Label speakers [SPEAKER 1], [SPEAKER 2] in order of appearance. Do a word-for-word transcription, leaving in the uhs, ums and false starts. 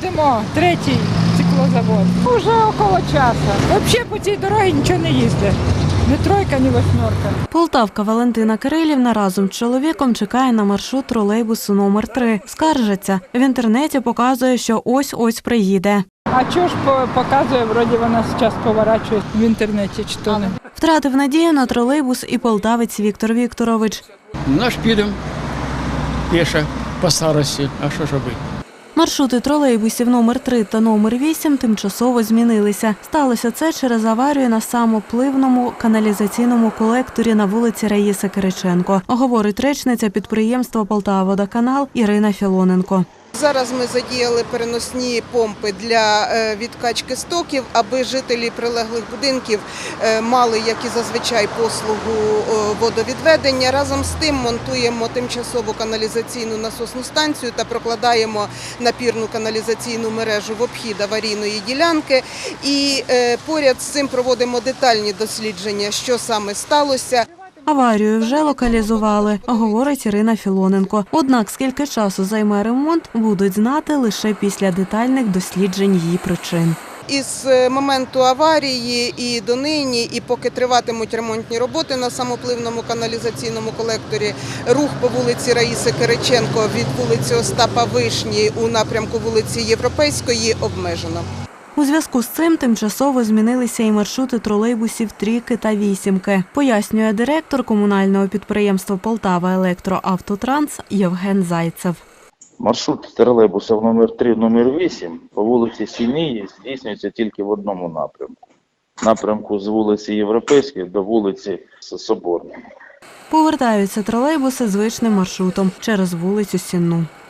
[SPEAKER 1] їздимо, третій циклозавод. Уже около часу. Взагалі по цій дорозі нічого не їздить. Ні тройка, ні восьмерка.
[SPEAKER 2] Полтавка Валентина Кирилівна разом з чоловіком чекає на маршрут тролейбусу номер три. Скаржиться. В інтернеті показує, що ось-ось приїде.
[SPEAKER 1] А чого ж показує, вроді вона зараз поворачує в інтернеті, чи то не?
[SPEAKER 2] Втратив надію на тролейбус і полтавець Віктор Вікторович.
[SPEAKER 3] Наш підемо піше по старості, а що ж робити?
[SPEAKER 2] Маршрути тролейбусів номер три та номер вісім тимчасово змінилися. Сталося це через аварію на самопливному каналізаційному колекторі на вулиці Раїси Кириченко, говорить речниця підприємства «Полтававодоканал» Ірина Філоненко.
[SPEAKER 4] Зараз ми задіяли переносні помпи для відкачки стоків, аби жителі прилеглих будинків мали, як і зазвичай, послугу водовідведення. Разом з тим монтуємо тимчасову каналізаційну насосну станцію та прокладаємо напірну каналізаційну мережу в обхід аварійної ділянки. І поряд з цим проводимо детальні дослідження, що саме сталося.
[SPEAKER 2] Аварію вже локалізували, говорить Ірина Філоненко. Однак, скільки часу займе ремонт, будуть знати лише після детальних досліджень її причин.
[SPEAKER 4] Із моменту аварії і донині, і поки триватимуть ремонтні роботи на самопливному каналізаційному колекторі, рух по вулиці Раїси Кириченко від вулиці Остапа Вишні у напрямку вулиці Європейської обмежено.
[SPEAKER 2] У зв'язку з цим тимчасово змінилися і маршрути тролейбусів трійки та вісімки, пояснює директор комунального підприємства «Полтава-Електроавтотранс» Євген Зайцев.
[SPEAKER 5] Маршрут тролейбусів номер три, номер вісім по вулиці Сінії здійснюється тільки в одному напрямку. Напрямку з вулиці Європейської до вулиці Соборної.
[SPEAKER 2] Повертаються тролейбуси звичним маршрутом через вулицю Сінну.